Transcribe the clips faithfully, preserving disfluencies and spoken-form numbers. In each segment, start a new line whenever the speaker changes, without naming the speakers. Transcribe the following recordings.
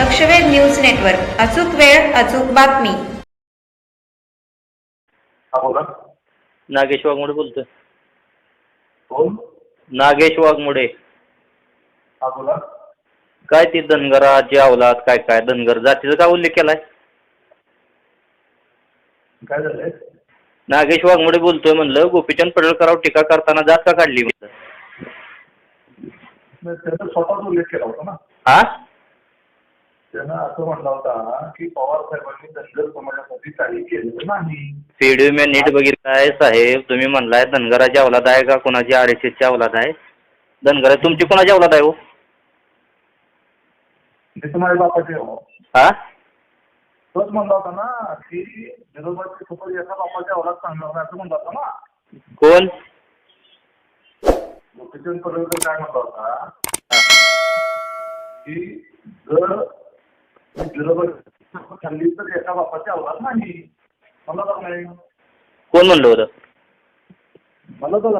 लक्षवेध news network, अचूक वेळ अचूक बातमी.
हा बोला.
नागेश वाघमोडे बोलतोय.
कोण?
नागेश वाघमोडे.
हा बोला.
काय ती धनगराची अवलाद काय काय धनगर जातीचा काय उल्लेख केलाय?
काय झालंय?
नागेश वाघमोडे बोलतोय. म्हणलं गोपीचंद पडळकरांवर टीका करताना जात का काढली? म्हणलं
त्याचा स्वतःच उल्लेख केला होता ना.
हा,
त्यानं असं म्हटलं होता की पवार साहेबांनी धनगर समाजासाठी काही केलं नाही.
व्हिडिओ मी नीट बघितलाय साहेब. तुम्ही म्हणलाय धनगराची अवलाद आहे का कोणाची आर एस एसची अवलाद आहे? धनगर तुमची कोणाची अवलाद आहे हो?
मी तुम्हाला बापाचे हो.
हा,
तोच म्हणला होता ना की विरोधाची सोबत एका बापाच्या अवलाद सांगणार नाही असं म्हणला होता ना.
कोण?
गोपीचंद पडळकर काय म्हणला होता की जर विरोधाची खाल्ली तर एका बापाची अवलाद नाही म्हणला होता नाही.
कोण म्हणलं होतं?
मला तर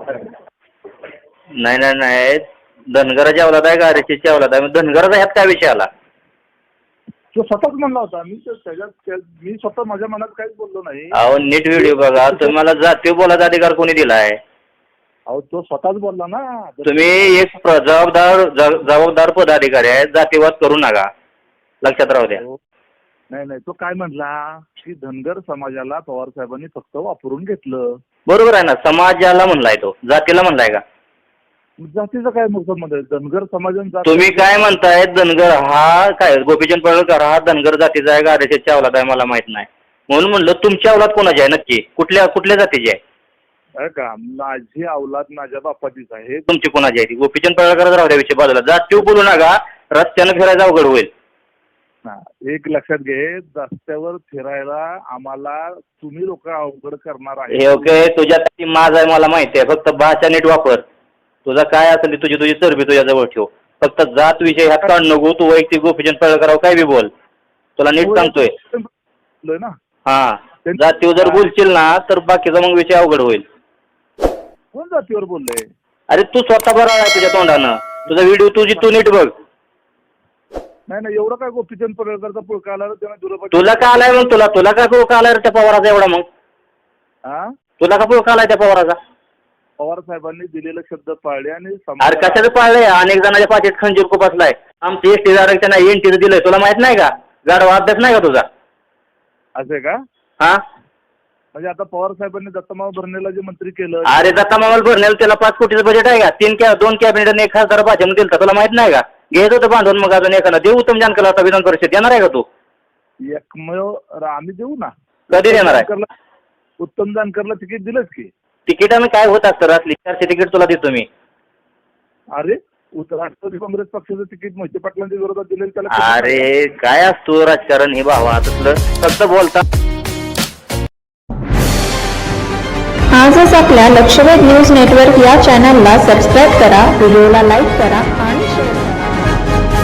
नाही नाही नाही धनगराची अवलाद आहे का आर एस एसची अवलाद आहे? धनगराचा ह्यात काय विषय आला?
तो स्वतःच म्हणला होता. मी त्याच्यात मी स्वतः माझ्या मनात काहीच बोललो नाही.
अहो नीट व्हिडिओ बघा. तुम्हाला जातीय बोलायचा अधिकार कोणी दिलाय?
अहो तो स्वतःच बोलला ना.
तुम्ही एक जबाबदार जबाबदार पदाधिकारी आहे. जातीवाद करू नका, लक्षात राहू द्या.
नाही नाही तो काय म्हणला की धनगर समाजाला पवार साहेबांनी फक्त वापरून घेतलं.
बरोबर आहे ना. समाजाला म्हणलाय तो, जातीला म्हणलाय का?
जातीचं काय संबंध आहे? धनगर समाजाने
तुम्ही काय म्हणताय? धनगर हा काय गोपीचंद पडळकर हा धनगर जातीचा आहे का आर एस एसच्या अवलाद आहे मला माहित नाही. म्हणून म्हणलं तुमची अवलाद कोणाची आहे नक्की? कुठल्या कुठल्या जातीची आहे?
का माझी अवलाद माझ्या बापाचीच आहे.
तुमची कोणाची आहे ती? गोपीचंद पडळकर राहू द्या विषय बाजूला. जातीव बोलू नका, रस्त्यानं फिरायला अवघड होईल.
एक लक्षात घे, रस्त्यावर फिरायला आम्हाला तुम्ही लोक अवघड करणार आहे.
हे ओके, तुझ्या ती माझ आहे मला माहिती आहे. फक्त भाषा नीट वापर. तुझा काय असेल तुझी तुझी चरबी तुझ्या जवळ ठेव. फक्त जात विषय ह्यात काढ नको. तू वैयक्तिक गोपीचंद पडळकरांवर काय बी बोल, तुला नीट सांगतोय
ना.
हा, जातीवर जर बोलशील ना तर बाकीचा मग विषय अवघड होईल.
कोण जातीवर बोलले?
अरे तू स्वतः बरा आहे तुझ्या तोंडानं. तुझा व्हिडिओ तुझी तू नीट बघ.
नाही नाही एवढं काय गोपीचंद पडळकरचा पुळका आला
तुला का आलाय मग? तुला तुला का पुळका आलाय त्या पवाराचा एवढा? मग
हा
तुला का पुळका आलाय त्या पवाराचा?
पवार साहेबांनी दिलेले शब्द पाळले आणि
अरे कशाचं पाळलंय? अनेक जणांच्या पाठीत खंजीर खुपसलाय. आमची एसटी आरक्षण एनटीचं दिलंय. तुला माहित नाही का? गाढवा अभ्यास नाही का तुझा?
असं का?
हा,
म्हणजे आता पवार साहेबांनी दत्तमाव भरणेला जे मंत्री केलं.
अरे दत्तमावल भरणेल त्याला पाच कोटीचं बजेट आहे का? तीन कॅ दोन कॅबिनेट एक खासदार भाजप दिलता. तुला माहित नाही का? घ्यायचं होतं बांधून मग अजून एखादा. देऊ उत्तम जानकर आता विधान परिषद येणार आहे का तू?
एकमेव आम्ही देऊ ना.
कधी देणार आहे?
उत्तम जानकरला तिकीट दिलंच की.
तिकिटानं काय होत असतं? रात्री चारशे तिकीट तुला देतो मी.
अरे राष्ट्रवादी काँग्रेस पक्षाचं तिकीट मोहिते पाटलांच्या विरोधात दिलेलं त्याला.
अरे काय असतो राजकारण हे भावा तसलं फक्त बोलता.
आजच आपल्या लक्षवेध न्यूज नेटवर्क या चॅनलला सबस्क्राईब करा, व्हिडिओला लाईक करा